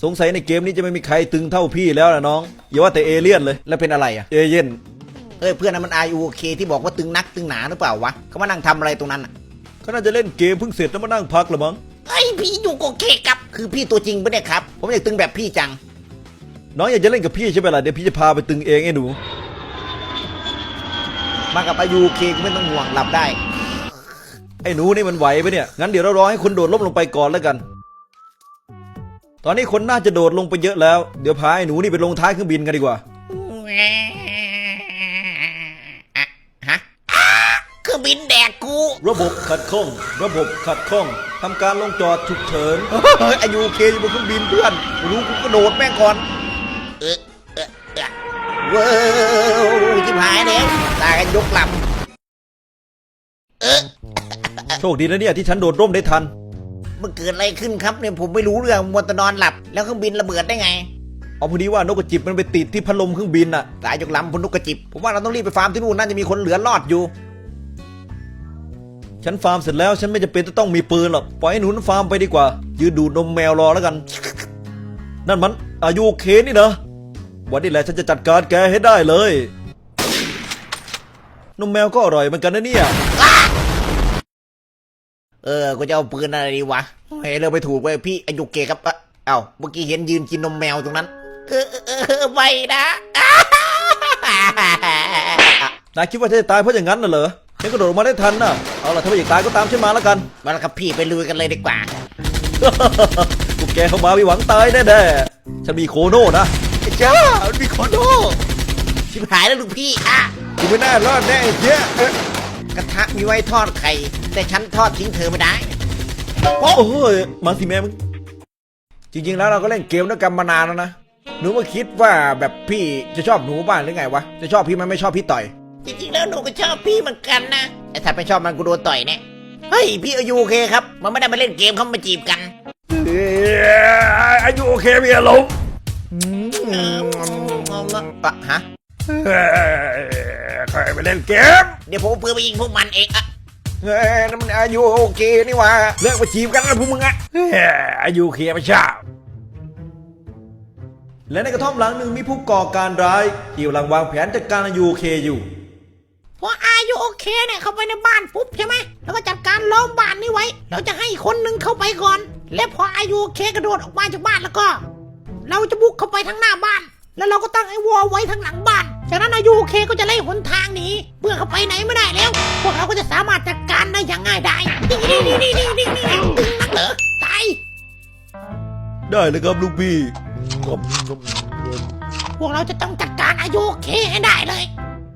สงสัยในเกมนี้จะไม่มีใครตึงเท่าพี่แล้วนะน้องอย่าว่าแต่เอเลี่ยนเลยแล้วเป็นอะไรอะเอเย่นเพื่อนนั้นมัน RUOK ที่บอกว่าตึงนักตึงหนาหรือเปล่าวะเขามานั่งทำอะไรตรงนั้นอ่ะเขาน่าจะเล่นเกมเพิ่งเสร็จแล้วมานั่งพักละมั้งพี่อยู่โอเคครับคือพี่ตัวจริงปะเนี่ยครับผมอยากตึงแบบพี่จังน้องอยากจะเล่นกับพี่ใช่ไหมล่ะเดี๋ยวพี่จะพาไปตึงเองไอ้หนูมากับ RUOK ก็ไม่ต้องห่วงหลับได้ไอ้หนูนี่มันไหวปะเนี่ยงั้นเดี๋ยวเรารอให้คนโดดล่มลงไปก่อนแล้วกันตอนนี้คนน่าจะโดดลงไปเยอะแล้วเดี๋ยวพาไอ้หนูนี่ไปลงท้ายเครื่องบินกันดีกว่าเครื่องบินแดกกูระบบขัดข้องทำการลงจอดฉุกเฉินRUOKอยู่บนเครื่องบินเพื่อนรู้กูกระโดดแม่งก่อนว้าวจิบหายแล้วตายกันยกลำโชคดีนะเนี่ยที่ฉันโดดร่มได้ทันมันเกิดอะไรขึ้นครับเนี่ยผมไม่รู้เรื่องมัวแต่นอนหลับแล้วเครื่องบินระเบิดได้ไงเอาพอดีว่านกกระจิบมันไปติดที่พัดลมเครื่องบินน่ะตายยกลำพนนกกระจิบผมว่าเราต้องรีบไปฟาร์มที่นู่นน่าจะมีคนเหลือรอดอยู่ฉันฟาร์มเสร็จแล้วฉันไม่จำเป็นจะต้องมีปืนหรอกปล่อยให้หนูฟาร์มไปดีกว่ายืนดูดนมแมวรอแล้วกันนั่นมันRUOKนี่นะวันนี้แหละฉันจะจัดการแกให้ได้เลยนมแมวก็อร่อยเหมือนกันนะเนี่ยกูจะเอาปืนอะไรดีวะเฮ้ยเราไปถูกไปพี่RUOKครับเอ้าเมื่อกี้เห็นยืนกินนมแมวตรงนั้นไม่นะนายคิดว่าจะตายเพราะอย่างนั้นน่ะเหรอฉันกระโดดออกมาได้ทันน่ะเอาล่ะถ้าไม่อยากตายก็ตามฉันมาแล้วกันมาแล้วครับพี่ไปลุยกันเลยดีกว่าพวกแกเข้ามาไม่หวังตายแน่ๆฉันมีโคโน่นะจ้ามันมีโคโน่ชิบหายแล้วลูกพี่กูไม่น่ารอดแน่เจ๊กระทะมีไว้ทอดไข่แต่ฉันทอดทิ้งเธอไม่ได้โอ้ยมาสิแม่มึงจริงๆแล้วเราก็เล่นเกมด้วยกันมานานแล้วนะหนูมาคิดว่าแบบพี่จะชอบหนูบ้างหรือไงวะจะชอบพี่มันไม่ชอบพี่ต่อยจริงๆแล้วหนูก็ชอบพี่เหมือนกันนะแต่ถ้าไม่ชอบมันกูโดนต่อยแน่เฮ้ยพี่RUOKครับมันไม่ได้มาเล่นเกมเขามาจีบกัน RUOKมีอารมณ์ฮะใครไปเล่นเกมเดี๋ยวผมเอาปืนไปยิงพวกมันเองนั่นมันRUOKนี่วะเลิกมาจีบกันแล้วพวกมึงRUOKไม่ชอบและในกระท่อมหลังหนึ่งมีผู้ก่อการร้ายที่กำลังวางแผนจัดการRUOKอยู่พอRUOKเนี่ยเข้าไปในบ้านปุ๊บใช่ไหมแล้วก็จัดการล้อมบ้านนี้ไว้เราจะให้คนหนึ่งเข้าไปก่อนและพอRUOKกระโดดออกมาจากบ้านแล้วก็เราจะบุกเข้าไปทางหน้าบ้านแล้วเราก็ตั้งไอ้วอลไว้ทางหลังบ้านจากนั้นRUOKก็จะไล่หนทางหนีเพื่อเข้าไปไหนไม่ได้แล้วพวกเราก็จะสามารถจัดการได้อย่างง่ายดายนี่ตึงนักเหรอตายได้เลยครับลูกพี่พวกเราจะต้องจัดการRUOKให้ได้เลย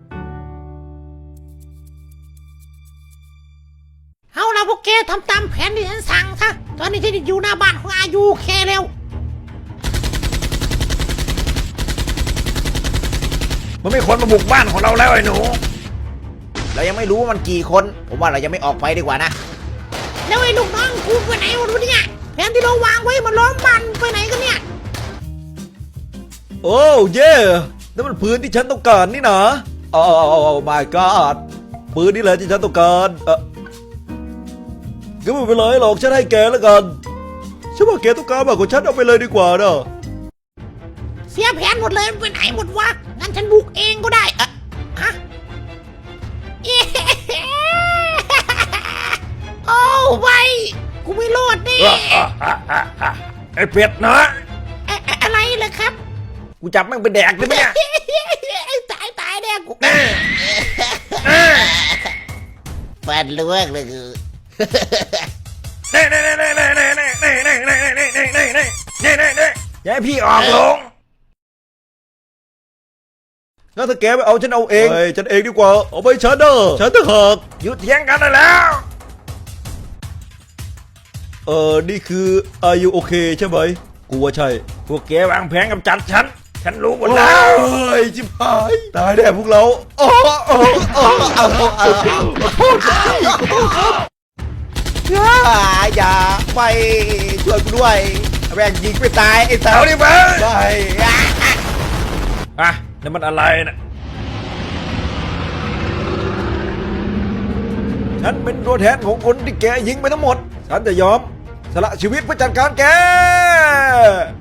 เอาล่ะพวกแกทำตามแผนที่ฉันสั่งซะตอนนี้ฉันอยู่หน้าบ้านของRUOKแล้วมันมีคนมาบุกบ้านของเราแล้วไอ้หนูเรายังไม่รู้ว่ามันกี่คนผมว่าเรายังไม่ออกไปดีกว่านะแล้วไอ้ลูกน้องกูไปไหนวะเนี่ยแผนที่เราวางไว้มันล้อมบ้านไปไหนกันเนี่ยโอ้เย่นั่นมันปืนที่ฉันต้องการนี่นะโอ้ my god ปืนนี่แหละที่ฉันต้องการก็ไม่เป็นไรหรอกฉันให้แกแล้วกันฉันว่าแกต้องการมากกว่าฉันเอาไปเลยดีกว่าเนอะเสียแผนหมดเลยไปไหนหมดวะงั้นฉันบุกเองก็ได้ฮะโอ้ไปกูไม่รอดนี่ไอ้เป็ดนะอะไรเหรอครับกูจับแม่งเป็นแดกเลยเนี่ยตายแน่กูฟันเลือกเลยคืออย่าให้พี่ออกลงงั้นถ้าแกไม่เอาฉันเอาเองฉันเองดีกว่าเอาไปฉันเด้อฉันจะหักหยุดเถียงกันได้แล้วนี่คือRUOKใช่ไหมกูว่าใช่พวกแกวางแผนกำจัดฉันรู้หมดแล้วเฮ้ยจิบหายตายแน่พวกเราอย่าไปช่วยกูด้วยแม่งยิงไม่ตายไอ้สาวนี่มั้งนั่นมันอะไรนะฉันเป็นตัวแทนของคนที่แกยิงไปทั้งหมดฉันจะยอมสละชีวิตเพื่อจัดการแก